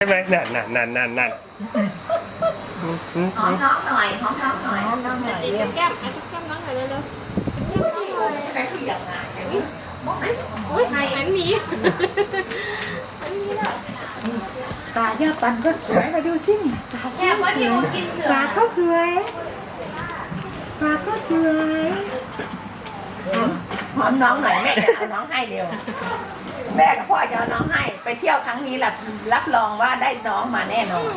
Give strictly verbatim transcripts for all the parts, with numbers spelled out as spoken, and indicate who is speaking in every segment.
Speaker 1: ใช่ไหมนั่นนั่นนั่นนั่นนั่น
Speaker 2: หอมน้องหน่อยหอมน้องหน่อยหอมน้องหน่อย
Speaker 3: จิ้มแก้มอ่ะจิ้มแก้มน้องหน่อยเร็วๆ
Speaker 2: อะไรคืออย่างไรอย่างนี้บอกไหม
Speaker 3: อุ้ยมันมี
Speaker 2: ตาย่าปันก็สวยมาดูสิเนี่ยตาสวยปากก็สวยปากก็สวยหอมน้องหน่อยแม่จะเอาน้องให้เร็วแม่กับพ่อจะเอาน้องให้ไปเที่ยวครั้งนี้รับรับรองว่าได้น้องมาแน่นอน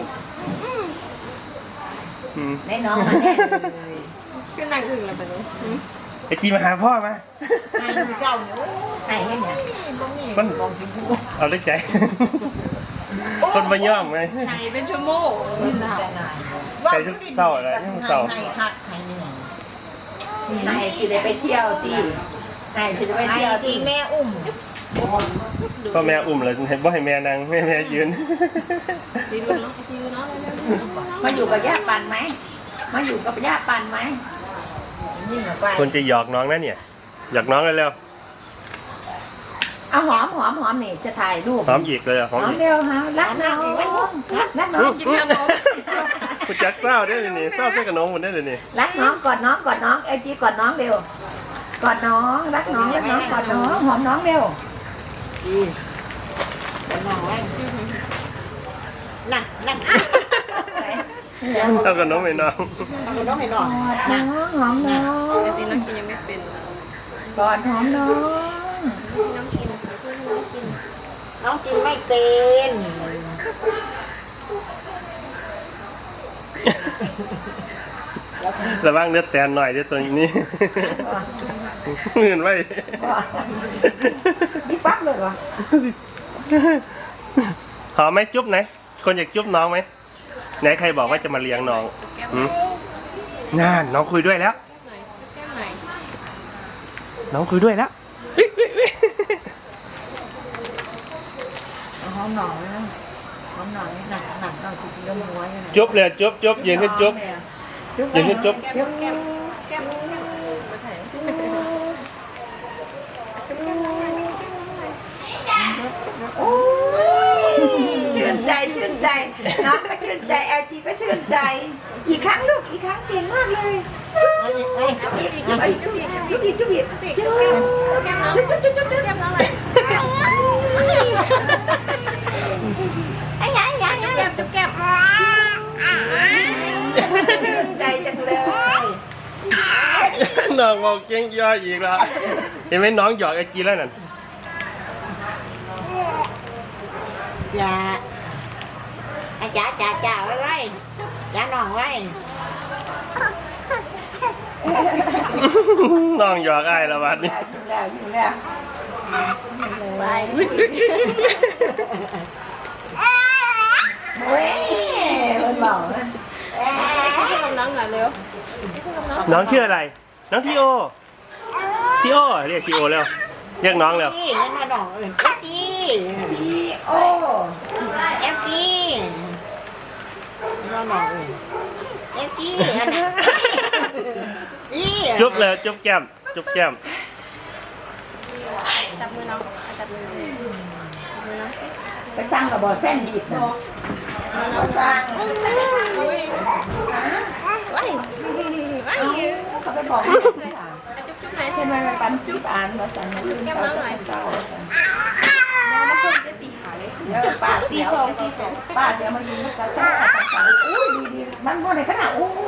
Speaker 2: ได้น้องมาแน่เลย
Speaker 3: คือนางอึ่งอะไรแบบนี้
Speaker 1: ไอจีมาหาพ่อมา
Speaker 2: ให้ดูเศร้าเนี่ยให้ให้เนี่ย
Speaker 1: มันเอาด้วยใจคนมาย่อมไง
Speaker 3: ไหนเป็นชั่วโมง
Speaker 1: ใจทุกเศร้าอะไรทุกเศร้า
Speaker 2: ให้คักให้เหนื่อยให้สิได้ไปเที่ยวตีให้สิได้ไปเที่ยวตีแม่อุ้ม
Speaker 1: พ่อแม่อุ้มเลยเห็นบ่ให้แม่นั่งให้แม่ยืน
Speaker 3: ดีดูน้องดีดูน้องเร็ว
Speaker 2: มาอยู่กับย่าปันไหมมาอยู่กับย่าปันไหม
Speaker 1: คนจะหยอกน้องนะเนี่ยหยอกน้องเร็ว
Speaker 2: เอาหอมหอมหอมนี่จะถ่ายรูป
Speaker 1: หอมอีกเลยหอม
Speaker 2: หอม
Speaker 1: อีก
Speaker 2: เร็วฮะรักน้องรักน้อง
Speaker 3: กินขนม
Speaker 1: คุณจักเศร้าได้เลยนี่เศร้าใส่กับน้องหมดได้เลยนี่
Speaker 2: รักน้องกอดน้องกอดน้องเอจีกอดน้องเร็วกอดน้องรักน้องรักน้องกอดน้องหอมน้องเร็วดีกอดน้องไว้นั่นนั่น
Speaker 1: เท่ากับน้องไม่น้อง
Speaker 2: เอาน้องให้น้องน้องหอมน้อง
Speaker 3: จริงน้องกินยังไม่เป็น
Speaker 2: กอดหอมน้อง
Speaker 3: น้องกินเพื่อนน้องกิน
Speaker 2: น้องกินไม่เป็น
Speaker 1: ระวังเนื้อแตนหน่อยเดี๋ยวตัวนี้เหมือนไว้
Speaker 2: นี่ปั๊บเลยเหรอ
Speaker 1: หอมไหมจุ๊บไหนคนอยากจุ๊บน้องไหมไหนใครบอกว่าจะมาเลี้ยงน้อง
Speaker 3: แก้ม
Speaker 1: หืมน่าน้องคุยด้วยแล้ว
Speaker 3: หน่อยแก้มหน่อย
Speaker 1: น้องคุยด้วยแล้ว
Speaker 2: หอมหน่อยนะหอมหน่อยหนักหนักหน่อยจริงๆแล้วม้วน
Speaker 1: จุ๊บเลยจุ๊บจุ๊บยืนขึ้นจุ๊บยืนขึ้นจุ๊บ
Speaker 3: แก้มแก้มแก้มมาถ่าย
Speaker 2: โอ้ยชื่นใจชื่นใจน้องก็ชื่นใจแอลจีก็ชื่นใจอีกครั้งลูกอีกครั้งเก่งมากเลยจุ๊บอีกจุ๊บอีกจุ๊บอีกจุ๊บอีกจุ๊บอีกจุ๊บ
Speaker 3: แก้มน้อง
Speaker 2: จุ๊บจุ๊บจุ๊บจุ๊บจุ๊บ
Speaker 3: แก้มน้องเลย
Speaker 2: ไอ้ยังยังยัง
Speaker 3: แก้มจุ๊บแก้ม
Speaker 2: ชื่นใจจังเลย
Speaker 1: น้องบอกเก่งย่ออีกแล้วเห็นไหมน้องหยอกไอจีแล้วนั่น
Speaker 2: อย่าจ่าจ่าจ่าไว้ไว้จ่าหน่องไว้
Speaker 1: น้องหยอกไอ้ละวันนี้
Speaker 2: อยู่แล้วอยู่แล้วไปเฮ้ยมันบอกนะ
Speaker 3: กินขนมน้องหน่อยเร็ว
Speaker 1: น้องชื่ออะไร น้องทีโอทีโอเรียกทีโอแล้วเรียกน้องแล้ว
Speaker 2: พี่นั่นมาดอกอื่นพี่ทีโอเอฟพีมาดอกอื่นเอฟพีอันนั้นอี
Speaker 1: จุ๊บเลยจุ๊บแก้มจุ๊บแก้ม
Speaker 3: จับมือน้องจับมือน้องจับมือน้อง
Speaker 2: ไปสร้างกับบอเส้นดิบนะเราสร้าง
Speaker 3: อุ้ยว้ายว้าย
Speaker 2: เขาไปบอก
Speaker 3: จุ๊บจุ๊บไหน
Speaker 2: ทำไมมันปันสิบอันเราสั่งมันเศร้าเศร้า
Speaker 3: น้องมาส่งจะตีขาเลย
Speaker 2: เดี๋ยวป้าเสียวป้าเสียวมันยิงมันกระแทกอุ้ยดีดีมันโมในขนาดอุ้